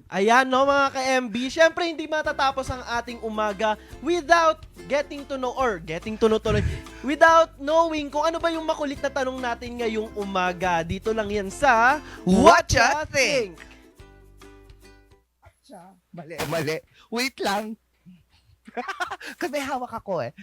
Ayan no mga ka-MB, syempre hindi matatapos ang ating umaga without getting to know tuloy, without knowing kung ano ba yung makulit na tanong natin ngayong umaga. Dito lang yan sa What Ya Think? Mali. Wait lang. Kasi may hawak ako eh.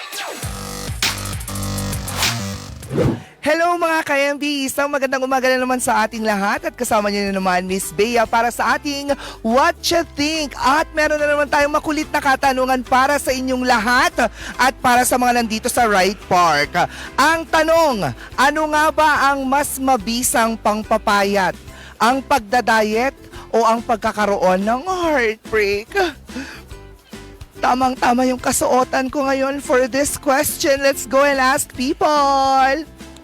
Hello mga ka-MB! Isang magandang umaga na naman sa ating lahat at kasama niyo na naman Miss Bea para sa ating What Ya Think? At meron na naman tayong makulit na katanungan para sa inyong lahat at para sa mga nandito sa Right Park. Ang tanong, ano nga ba ang mas mabisang pangpapayat? Ang pagdadayet o ang pagkakaroon ng heartbreak? Tamang-tama yung kasuotan ko ngayon for this question. Let's go and ask people.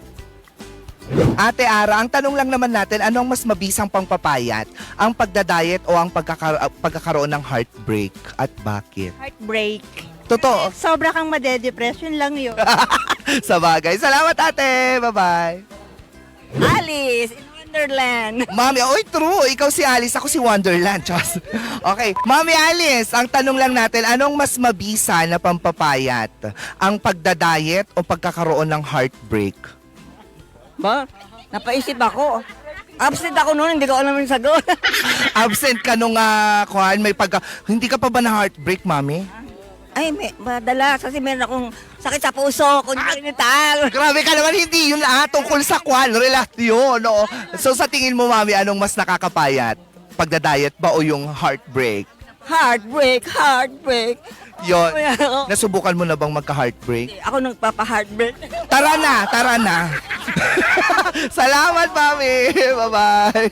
Ate Ara, ang tanong lang naman natin, anong mas mabisang pangpapayat? Ang pagdadayet o ang pagkakaroon ng heartbreak? At bakit? Heartbreak. Totoo. Sobra kang madedepression lang yun. Sa bagay. Salamat ate. Bye-bye. Alice in Wonderland. Mami, oy true. Ikaw si Alice, ako si Wonderland. Chos. Okay. Mami Alice, ang tanong lang natin, anong mas mabisa na pampapayat? Ang pagdadayet o pagkakaroon ng heartbreak? Ba? Napaisip ako. Absent ako noon, hindi ko alam yung sagot. Absent ka nung hindi ka pa ba na heartbreak, Mami? Ay, madalas kasi meron akong sakit sa puso, congenital. Grabe ka naman, hindi yun tungkol sa relasyon, no? So sa tingin mo, Mami, anong mas nakakapayat? Pagdadayet ba o yung heartbreak? Heartbreak. Yon. Nasubukan mo na bang magka-heartbreak? Ako nagpapa-heartbreak. Tara na. Salamat, Mami. Bye-bye.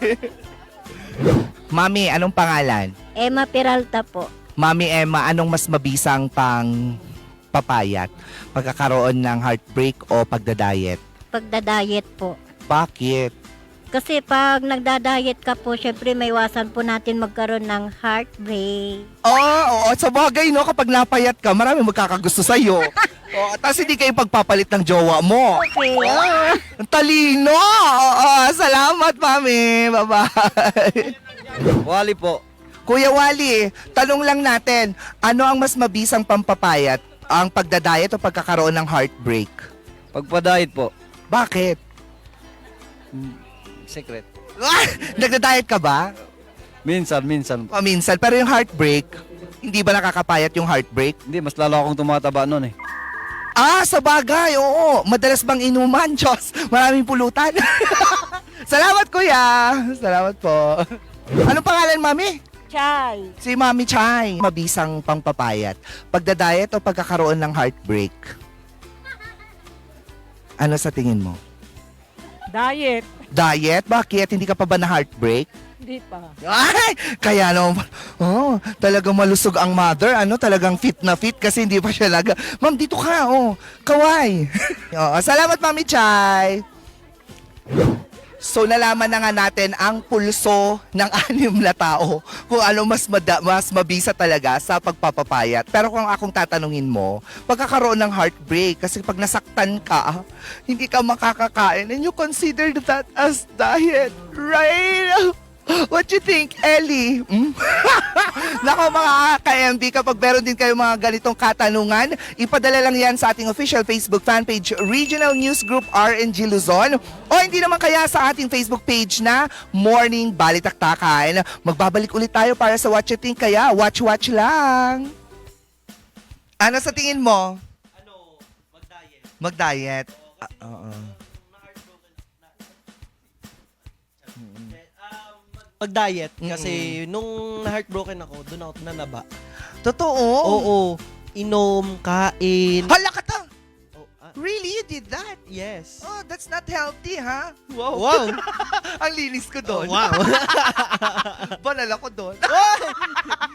Mami, anong pangalan? Emma Peralta po. Mami Emma, anong mas mabisang pang papayat? Pagkakaroon ng heartbreak o pagdadayet? Pagdadayet po. Bakit? Kasi pag nagdadayet ka po, syempre may iwasan po natin magkaroon ng heartbreak. Oo, sa bagay, no? Kapag napayat ka, marami magkakagusto sa'yo. Tapos hindi kayo pagpapalit ng jowa mo. Okay. Ang talino! Salamat, Mami. Bye-bye. Wally po. Kuya Wally, tanong lang natin, ano ang mas mabisang pampapayat? Ang pagdadayet o pagkakaroon ng heartbreak? Pagpa-diet po. Bakit? Secret. Nagda-diet ka ba? Minsan. Minsan. Pero yung heartbreak, hindi ba nakakapayat yung heartbreak? Hindi, mas lalo akong tumataba noon eh. Sa bagay, oo. Madalas bang inuman, Diyos? Maraming pulutan. Salamat, kuya. Salamat po. Anong pangalan, Mami? Chay. Si Mami Chay. Mabisang pangpapayat. Pagdadayet o pagkakaroon ng heartbreak? Ano sa tingin mo? Diet. Diet? Bakit? Hindi ka pa ba na heartbreak? Hindi pa. Ay! Kaya no, talagang malusog ang mother, talagang fit na fit kasi hindi pa siya Ma'am, dito ka, kaway. Salamat, Mami Chay. So, nalaman na nga natin ang pulso ng 6 na tao kung ano mas mabisa talaga sa pagpapapayat. Pero kung akong tatanungin mo, pagkakaroon ng heartbreak, kasi pag nasaktan ka, hindi ka makakakain and you consider that as diet, right? What you think, Ellie? Nako mga ka-MB, kapag meron din kayo mga ganitong katanungan, ipadala lang yan sa ating official Facebook fanpage, Regional News Group RNG Luzon, o hindi naman kaya sa ating Facebook page na Morning Balitaktakan. Magbabalik ulit tayo para sa What You Think, kaya watch lang. Ano sa tingin mo? Magdiet. Oo. Pag-diet kasi nung na-heartbroken ako, doon ako nanaba. Totoo? Oo. Inom, kain. Hala ka ta! Oh, Really? You did that? yes. Oh, that's not healthy, ha? Wow. Ang linis ko doon. Wow. Banal ako doon.